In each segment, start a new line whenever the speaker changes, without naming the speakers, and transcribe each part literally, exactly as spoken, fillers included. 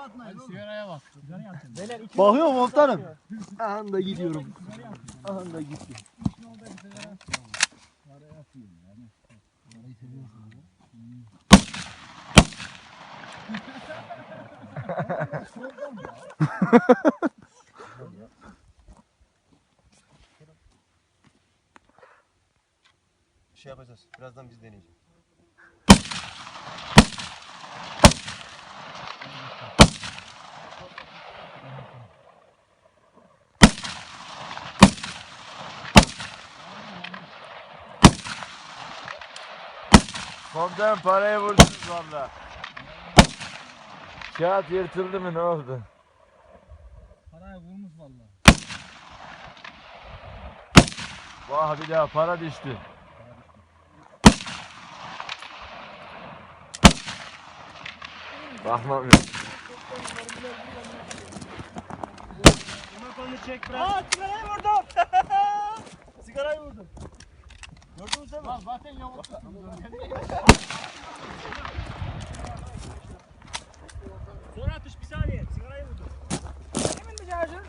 Hadi sigaraya bak.
Bakıyorum komutanım. Aha da gidiyorum. Aha da gitti.
Şey yapacağız. Birazdan biz deneyeceğiz.
Komutanım parayı vurdunuz valla. Kağıt yırtıldı mı ne oldu?
Parayı vurmuş vallahi.
Vah bir daha para düştü. Bakmam yok.
Aa sigarayı vurdum. Sigarayı vurdum. Gördünüz değil mi?
Lan zaten yamuk tuttum.
Sonra atış bir saniye. Sigarayı vurdum. Emin mi şarjın?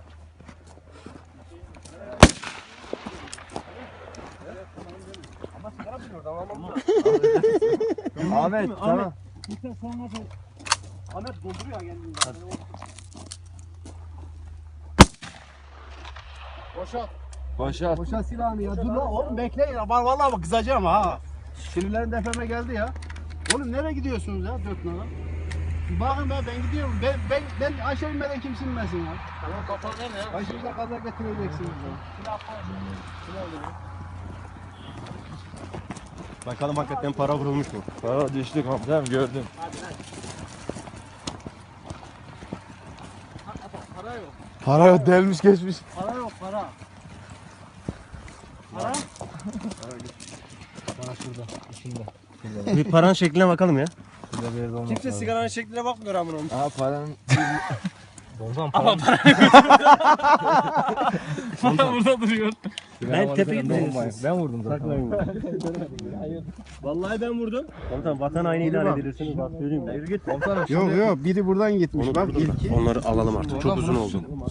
Ama sigara biliyor tamam.
Ahmet tamam.
Lütfen sonra da Ahmet dolduruyor kendini.
Boşalt.
Boşalt.
Boşa silahını ya. Dur lan oğlum bekleyin. Var vallahi bak kızacağım ha. Sinirlerim defeme geldi ya. Oğlum nereye gidiyorsunuz ya dört nala? Bakın ben ben gidiyorum. Ben ben ben aşağı inmeden kimse inmesin ya.
Tamam kapalı nerede ya?
Aşağıda kaza getireceksiniz ya.
Bakalım hakikaten para vurulmuş mu?
Para düştü komutanım gördüm.
Para yok.
Para yok delmiş geçmiş.
Para yok para. Para?
Bir paranın şekline bakalım ya.
Kimse sigaranın şekline bakmıyor amına.
Aa paranın
Para burada duruyor.
Ben tepe gitmedim.
ben vurdum zaten.
Vallahi ben vurdum.
Komutan vatan haini ilan edilirsiniz. Bak söyleyeyim de. Yürü git.
Yok yok biri buradan gitmiş. Bak ilki.
Onları alalım artık. Çok uzun oldu.